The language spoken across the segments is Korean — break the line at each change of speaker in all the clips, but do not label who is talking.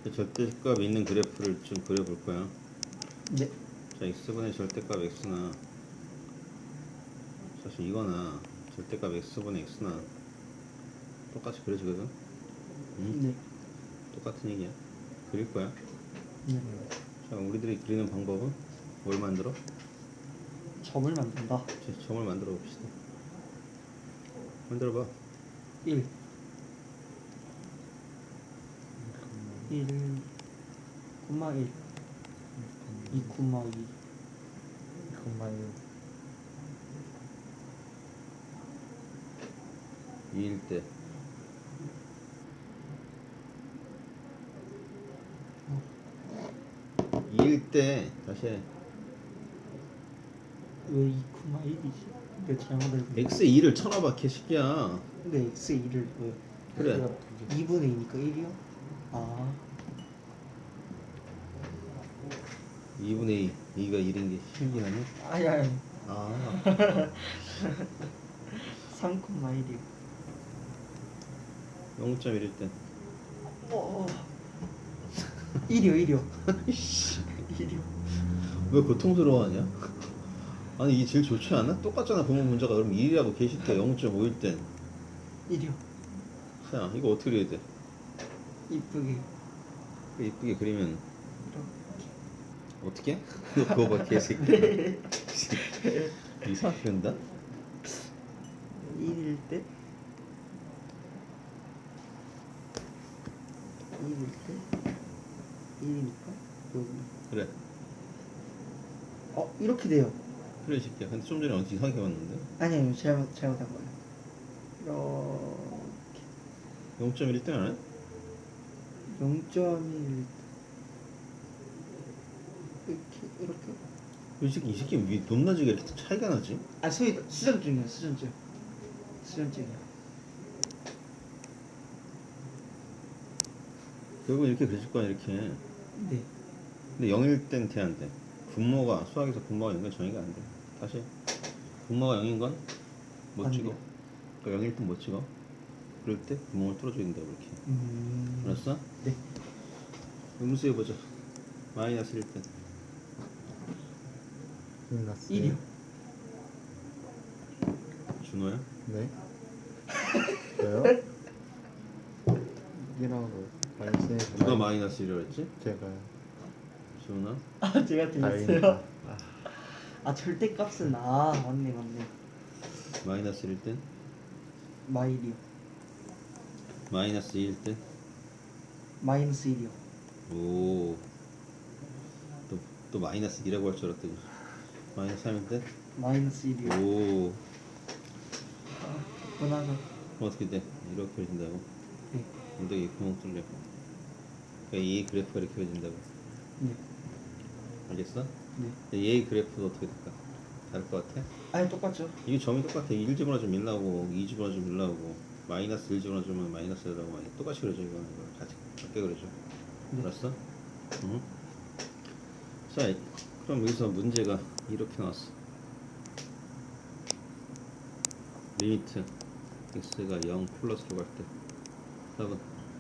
절대값 있는 그래프를 좀 그려볼 거야.
네.
자, x분의 절대값 x나 사실 이거나 절대값 x분의 x나 똑같이 그려지거든. 응?
네.
똑같은 얘기야. 그릴 거야.
네.
자, 우리들이 그리는 방법은 뭘 만들어?
점을 만든다.
점을 만들어 봅시다. 만들어 봐.
1 1 콤마 1 2 콤마 2
콤마 1
2일 때 다시 해.
왜 2 콤마 1이지? 왜 잘못을
x에 2를 쳐놔봐 개새끼야.
근데 x 2를 왜
그래.
2분의 2니까 1이요? 아
2분의 2 2가 1인 게 신기하네.
아니
아
3 콤마 1이요
0.1일 때
1이요 1이요
왜 고통스러워하냐? 아니 이게 제일 좋지 않아? 똑같잖아 부분 문제가. 그럼 1이라고 개새끼야. 0.5일 땐
1이요
자 이거 어떻게 그려야 돼?
이쁘게
이쁘게 그리면
이렇게
어떻게? 너 그거 봐 개새끼. 이상하게 그린다?
1일 때 1일 때 1이니까 여기
그래
이렇게 돼요.
그래 이 새끼야. 근데 좀 전에 어디 이상하게 봤는데?
아니요 잘못한 거예요. 이렇게
0.1일 때는 안 해?
0.1 이렇게
이 새끼 왜 높낮이가 이렇게 차이가 나지?
수전증이야 수전증이야
결국 이렇게 그려질 거야 이렇게.
네
근데 0일 땐 돼 안 돼? 분모가 수학에서 분모가 0인 건 정의가 안 돼. 다시 분모가 0인 건 못
안
찍어.
돼요.
그러니까 0일 땐 못 찍어. 그럴 때 구멍을 뚫어줘야 된다고 이렇게. 알았어?
네
음수 해보자. 마이너스 1 때.
마이너스
1이요
준호야?
네. 저요? 1하고 마이너스
누가 마이너스 1이라고 했지?
제가요.
준호나?
제가
다행이다.
절대값은 맞네
마이너스 1일 때?
마일이요
마이너스 2일 때?
마이너스 1이요
오. 또 마이너스 2라고 할 줄 알았더니 마이너스 3일 때?
마이너스 1이요
오.
분하죠
어떻게 돼? 이렇게 그려진다고?
네
엉덩이 구멍 뚫려. 그러니까 이 그래프가 이렇게 그려진다고.
네
알겠어?
네
얘의 그래프도 어떻게 될까? 다를 것 같아?
아니 똑같죠
이게 점이 똑같아. 1 집어넣어주면 1 나오고 2 집어넣어주면 1 나오고 마이너스 1 집어넣어주면 마이너스 1 나오고 똑같이 그려져. 이거는 같이 같게 그려져.
네.
알았어? 응? 자 그럼 여기서 문제가 이렇게 나왔어. 리미트 x가 0 플러스로 갈 때 답은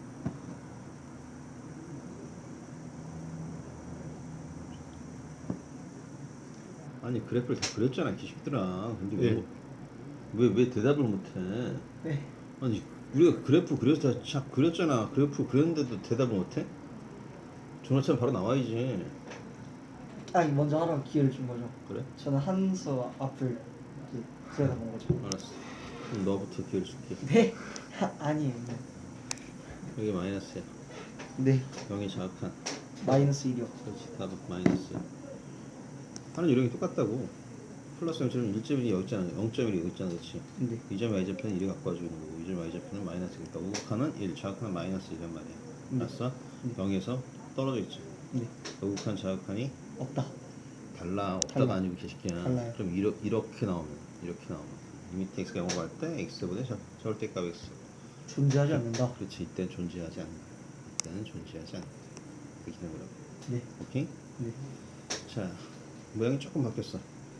아니 그래프를 다 그렸잖아 기식들아. 근데
네.
왜 대답을 못해?
네
아니 우리가 그래프 그렸잖아. 그래프 그렸는데도 대답을 못해? 전화처럼 바로 나와야지.
아니 먼저 하라고 기회를 준 거죠
그래?
저는 한 수 앞을 이제 들여다본 거죠
알았어. 그럼 너부터 기회를 줄게.
네? 아니에요
여기 마이너스야.
네
0이 자극한.
마이너스 1이요
그렇지. 답은 마이너스. 하는 요령이 똑같다고. 플러스 0.1, 1.1이 여기 있잖아. 0.1이 여기 있잖아. 그렇지?
네
2점 y좌표는 1이 갖고 와주는 거고 2점 y좌표는 마이너스니까 우극한은 1, 좌극한은 마이너스 1란 말이야. 알았어?
네.
0에서 떨어져 있지.
네
우극한 자극한이
없다
달라. 없다가
달라.
아니고 개새끼야.
달라요.
좀 이렇게 나오면 리미트 x가 0으로 갈 때 x보다 절대값 x.
존재하지 않는다
그렇지. 이때는 존재하지 않는다. 이때는 존재하지 않는다. 이렇게 되는 거라고.
네
오케이?
네.
자 모양이 조금 바뀌었어.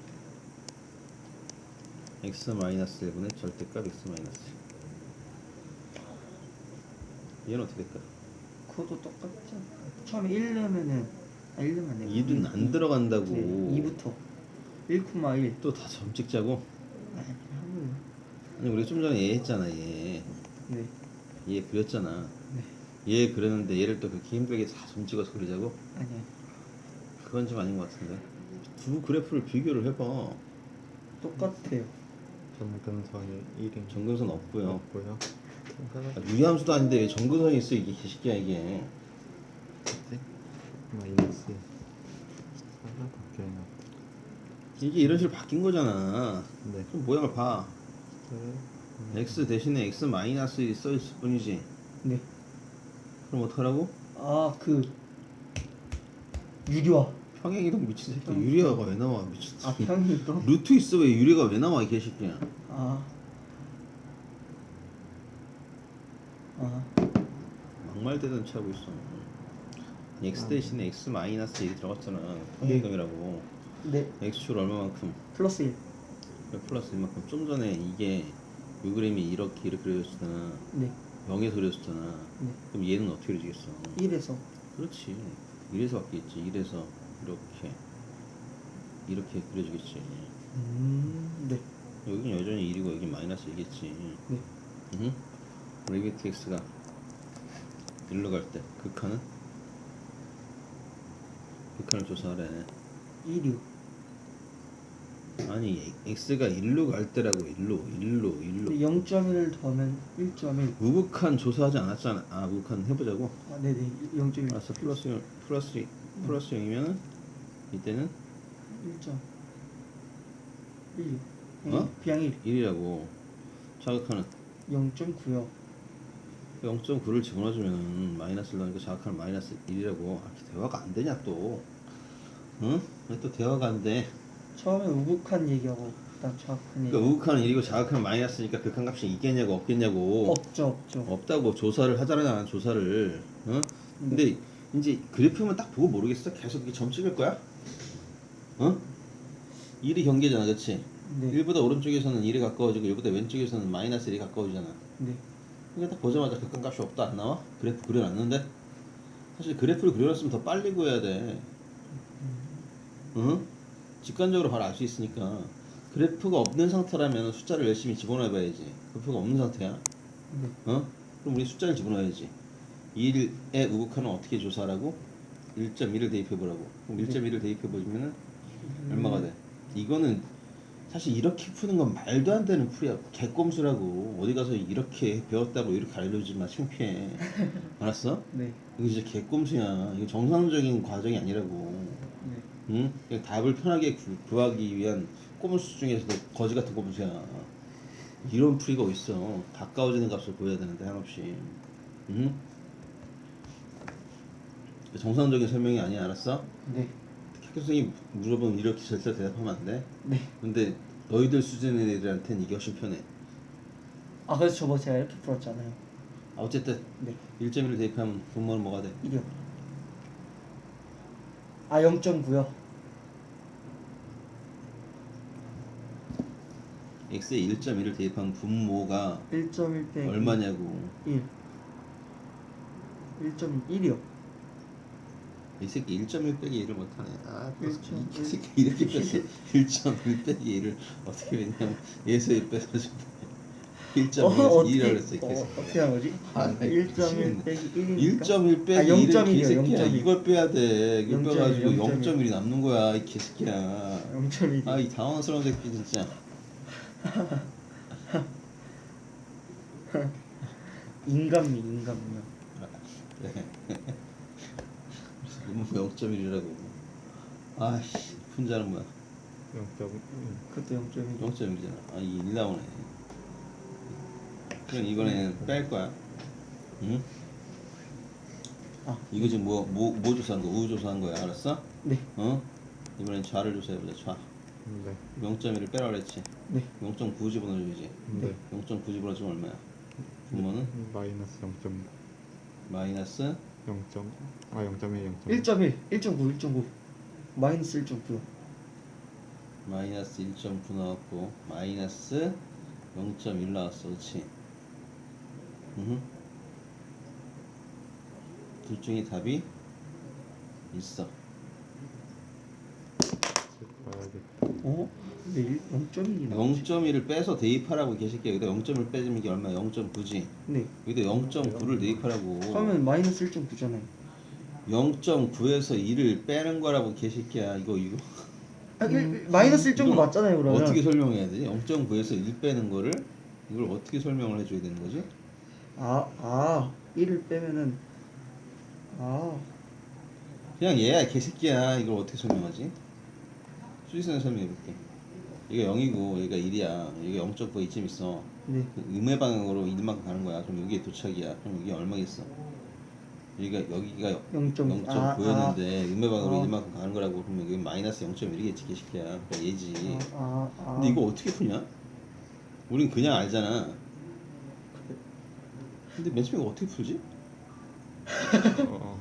x 마이너스 1분의 절대값 x 마이너스 1. 얘는 어떻게 될까?
그것도 똑같지 않을까? 처음에 1 넣으면은 1 넣으면 안 돼.
2는 안 들어간다고.
네, 2부터 1,1.
또 다 점 찍자고?
아니 한 거예요.
아니 우리 좀 전에 얘 했잖아 얘.
네.
얘 그렸잖아.
네.
얘 그렸는데 얘를 또 그렇게 힘들게 다 점 찍어서 그리자고?
아니요.
그건 좀 아닌 것 같은데. 두 그래프를 비교를 해봐.
똑같아요.
점근선이 1인
정근선 없고요.
없고요.
아, 유리함수도 아닌데 왜 정근선이 있어 이게 개새끼야 이게.
마이너스 4가 바뀌어요.
이게 이런 식으로 바뀐 거잖아.
네.
그럼 모양을 봐. x 대신에 x 마이너스 1이 써있을 뿐이지.
네.
그럼 어떡하라고?
아 그 유리화.
평행이동 미친 새끼. 유리화가 왜 나와 미친
아
새끼.
평이동.
루트 있어 왜 유리가 왜 나와 이 개새끼야.
아. 아.
막말대단 차고 있어. x 대신에 x 마이너스 1이 들어갔잖아.
네.
평행이동이라고.
네.
x축 얼마만큼?
플러스 1.
플러스 이만큼. 좀 전에 이게 요 그림이 이렇게 그려졌잖아.
네.
0에서 그려졌잖아.
네.
그럼 얘는 어떻게 그려지겠어?
1에서.
그렇지. 1에서 바뀌겠지. 1에서 이렇게 그려지겠지.
네.
여긴 여전히 1이고 여긴 마이너스 2겠지.
네.
리미트 x가 1로 갈 때 극한은? 극한을 조사하래.
1이요.
아니 x가 1로 갈 때라고. 1로
0.1 더하면 1.1.
무극한 조사하지 않았잖아. 아 무극한 해보자고.
아 네네. 0.1.
알았어. 플러스 0이면은 이때는
1.1.
어?
그냥 1.
1이라고. 자극하는
0.9요.
0.9를 집어넣어주면 마이너스를 넣으니까 자극하는 마이너스 1이라고. 아, 대화가 안 되냐 또. 응? 왜 또 대화가 안 돼?
처음에 우극한 얘기하고 그다음 정확한 얘기.
그러니까 우극한 1이고 자극하는 마이너스니까 극한값이 있겠냐고 없겠냐고.
없죠.
없다고. 조사를 하잖아 조사를. 어? 근데 이제 그래프만 딱 보고 모르겠어? 계속 이렇게 점 찍을 거야? 어? 1이 경계잖아 그치?
네.
1보다 오른쪽에서는 1이 가까워지고 1보다 왼쪽에서는 마이너스 1이 가까워지잖아.
네.
그러니까 딱 보자마자 극한값이 없다 안 나와? 그래프 그려놨는데? 사실 그래프를 그려놨으면 더 빨리 구해야 돼. 응? 직관적으로 바로 알 수 있으니까. 그래프가 없는 상태라면 숫자를 열심히 집어넣어봐야지. 그래프가 없는 상태야.
네.
어? 그럼 우리 숫자를 집어넣어야지. 1의 우극한은 어떻게 조사하라고? 1.1을 대입해보라고. 그럼 1.1을 대입해보면은 얼마가 돼? 이거는 사실 이렇게 푸는 건 말도 안 되는 풀이야. 개꼼수라고. 어디 가서 이렇게 배웠다고 이렇게 알려주지 마. 창피해. 알았어?
네.
이거 진짜 개꼼수야. 이거 정상적인 과정이 아니라고.
네.
응? 그냥 답을 편하게 구하기 위한 꼼수 중에서도 거지 같은 꼼수야. 이런 풀이가 어딨어. 가까워지는 값을 구해야 되는데 한없이. 응? 정상적인 설명이 아니야. 알았어?
네.
학교생이 물어보면 이렇게 절대 대답하면 안 돼.
네.
근데 너희들 수준의 애들한테는 이게 훨씬 편해.
아 그래서 저번 제가 이렇게 풀었잖아요.
아, 어쨌든
네.
1.1을 대입하면 분모는 뭐가 돼?
1이요. 아 0.9요.
x에 1.1을 대입하면 분모가
1.1 빼기
얼마냐고.
1. 1.1이요.
이 새끼 1.1 빼기 1을 못하네. 아, 또
1.1.
이 새끼 이렇게 뺐어. 1.1 빼기 1을 어떻게 했냐면 얘에서 1 빼가지고 1.1에서 2라고 그랬어. 이 개새끼.
어떻게 한 거지?
아, 나
1.1 빼기 1이니까
1.1 빼기
아,
1을
0.1이요,
개새끼야.
0.1.
이걸 빼야 돼. 이걸
0.1,
빼가지고
0.1.
0.1이 남는 거야. 이 개새끼야.
0.1.
아, 이 당황스러운 새끼 진짜.
인간미요.
이거 0.1이라고. 아씨, 분자는 뭐야?
0.1
그것도 0.1.
0.1이잖아. 아, 이게 1 나오네. 그럼 이번에는 뺄 거야. 응?
아.
이거 지금 뭐 조사한 거야? 우주 조사한 거야. 알았어?
네.
어? 이번엔 좌를 조사해보자. 좌.
네.
0.1을 빼라 그랬지.
네.
0.9 집어넣어주지.
네.
0.9 집어넣어주면 얼마야? 분모는?
마이너스 0.9
마이너스
0.1
1.1. 1.9. 마이너스 1.9요.
마이너스 1.9 나왔고 마이너스 0.1 나왔어. 그치? 둘 중에 답이 있어.
봐야겠다.
어? 근데 0.1이 나오지?
0.1을 빼서 대입하라고 계실게. 여기다 0.1 빼주면 이게 얼마? 0.9지.
네.
여기다 0.9를 대입하라고.
그러면 마이너스 1.9잖아요.
0.9에서 1을 빼는 거라고 계실게야. 이거
마이너스 1.9
이건
맞잖아요, 그러면.
어떻게 설명해야 되지? 0.9에서 1 빼는 거를 이걸 어떻게 설명을 해줘야 되는 거지?
1을 빼면은
그냥 얘야 개새끼야. 이걸 어떻게 설명하지? 수지선을 설명해볼게. 얘가 0이고 얘가 1이야. 얘가 0.9가 이쯤 있어.
네.
음의 방향으로 1만큼 가는 거야. 그럼 여기에 도착이야. 그럼 이게 얼마겠어? 여기가 0.9였는데 음의 방향으로 1만큼 가는 거라고. 그러면 여기 마이너스 0.1이겠지 개새끼야. 그러니까 얘지. 근데 이거 어떻게 푸냐? 우린 그냥 알잖아. 근데 맨 처음에 이거 어떻게 풀지?
어,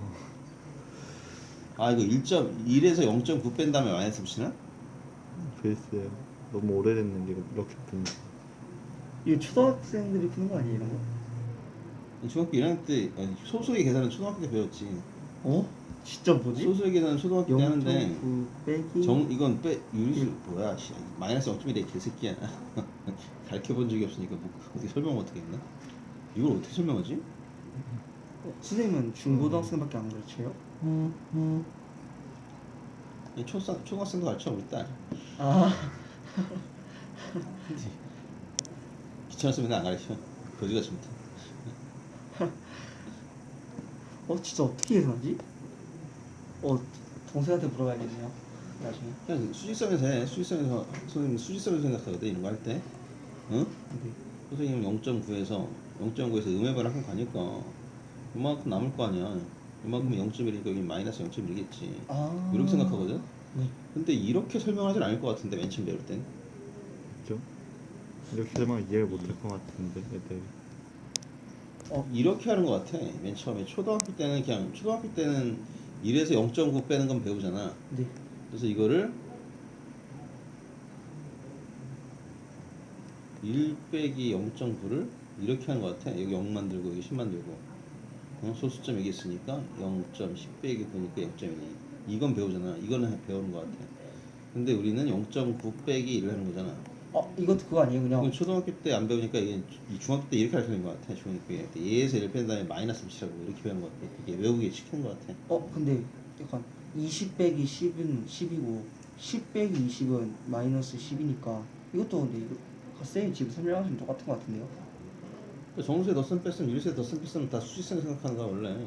이거 1.1에서 0.9 뺀 다음에 마이너스 붙이나?
글쎄요. 너무 오래됐는데 이렇게 푸는 거.
이거 초등학생들이 푸는 거 아니에요, 이런 거?
중학교 1학년 때 소수의 계산은 초등학교 때 배웠지.
진짜 뭐지?
소수의 계산은 초등학교 때 하는데
0.9 빼기
이건 유리수 뭐야? 마이너스 0.1의 개새끼야. 가르쳐본 적이 없으니까 뭐 어떻게 설명 어떻게 했나? 이걸 어떻게 설명하지?
선생님은 중고등학생밖에 안 가르쳐요?
초등학생도 가르쳐 우리 딸. 귀찮았으면 안 가르쳐. 거지같이 못해.
진짜 어떻게 계산하지? 동생한테 물어봐야겠네요, 나중에.
그냥 수직선에서 해. 선생님 수직선을 생각하거든 이런 거 할 때. 응?
네.
선생님은 0.9에서 음의 반항 가니까 이만큼 남을 거 아니야. 이만큼은 0.1이니까 여기 마이너스 0.1이겠지. 이렇게 생각하거든.
네.
근데 이렇게 설명하진 않을 것 같은데 맨 처음 배울 땐.
그죠? 이렇게 설명 이해를 못할 것 같은데 애들.
이렇게 하는 것 같아. 맨 처음에 초등학교 때는 1에서 0.9 빼는 건 배우잖아.
네.
그래서 이거를 1 빼기 0.9를 이렇게 하는 것 같아. 여기 0 만들고 여기 10 만들고 소수점 여기 있으니까 0.10 빼기 보니까 0.1. 이건 배우잖아. 이거는 배우는 것 같아. 근데 우리는 0.9 빼기 1을 하는 거잖아.
이것도 그거 아니에요, 그냥?
이건 초등학교 때 안 배우니까 이게 중학교 때 이렇게 가르치는 것 같아. 중학교 때 얘에서 1 뺀 다음에 마이너스 붙이라고 이렇게 배우는 것 같아. 이게 외우기에 시키는 것 같아.
근데 약간 20 빼기 10은 10이고 10 빼기 20은 마이너스 10이니까 이것도 근데 이거 쌤이 지금 설명하시면 똑같은 것 같은데요?
정수에 덧셈 뺐으면 유리수에 덧셈 뺐으면 다 수직선 생각하는 거야 원래.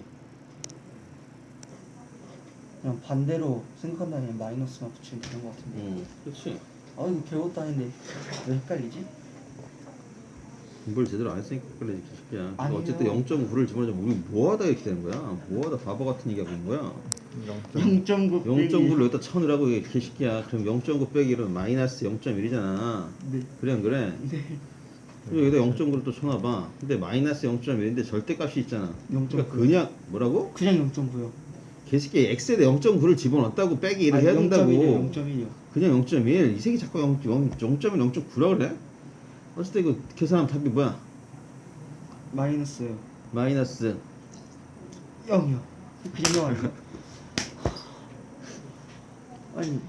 그냥 반대로 생각한다면 마이너스만 붙이면 되는 것 같은데.
그렇지.
이거 배웠다는데 왜 헷갈리지?
공부를 제대로 안 했으니까 그래 개새끼야.
아니요.
어쨌든 0.9를 집어넣으면 우리 뭐하다 이렇게 되는 거야? 뭐하다 바보 같은 얘기 하고 있는 거야?
0.9 빼기
0.9를 여기다 쳐넣으라고 이게 개새끼야. 그럼 0.9 빼기 1은 마이너스 0.1이잖아.
네.
그래 안 그래?
네.
그리고 여기다 0.9를 또 쳐놔봐. 근데 마이너스 0.1인데 절대값이 있잖아.
0.9.
그러니까 그냥 뭐라고?
그냥 0.9요.
개새끼 x에다 0.9를 집어넣었다고 빼기 1을 해야 된다고.
0.1이요.
그냥 0.1. 이 새끼 자꾸 0.1, 0.9라 그래? 어쨌든 이거 계산하면 답이 뭐야?
마이너스요.
마이너스
0이요. 그냥 아니요? 아니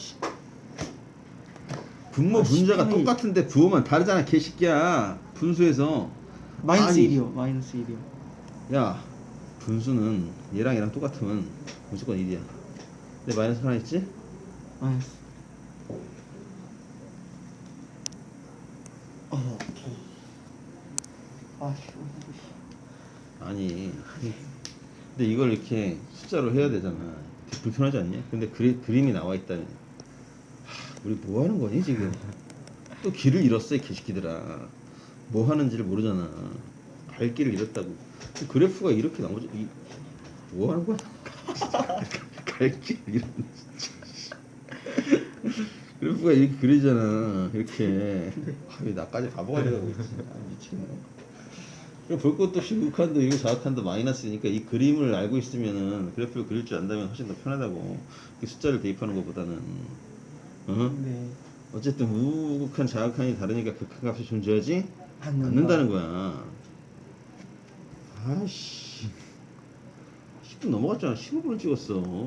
분모 분자가
10분의
똑같은데 부호만 다르잖아 개새끼야. 분수에서
마이너스
아니.
1이요. 마이너스 1이요.
야 분수는 얘랑 똑같으면 무조건 1이야. 근데 마이너스 하나 있지?
마이너스. 오케이.
아니 근데 이걸 이렇게 숫자로 해야 되잖아. 되게 불편하지 않냐? 근데 그림이 나와 있다면 우리 뭐 하는 거니 지금? 또 길을 잃었어 이 개새끼들아. 뭐 하는지를 모르잖아. 갈 길을 잃었다고. 그래프가 이렇게 나오지. 뭐 하는 거야? 갈 길을 잃었네 진짜. 그래프가 이렇게 그리잖아. 이렇게. 왜 나까지 바보가 돼가고 있지. 미치겠네. 볼 것도 없이 우극한도 이거 좌극한도 마이너스니까 이 그림을 알고 있으면은 그래프를 그릴 줄 안다면 훨씬 더 편하다고. 숫자를 대입하는 것보다는.
네.
어쨌든 우극한 좌극한이 다르니까 극한값이 존재하지
않는다.
않는다는 거야. 아씨 10분 넘어갔잖아. 15분을 찍었어.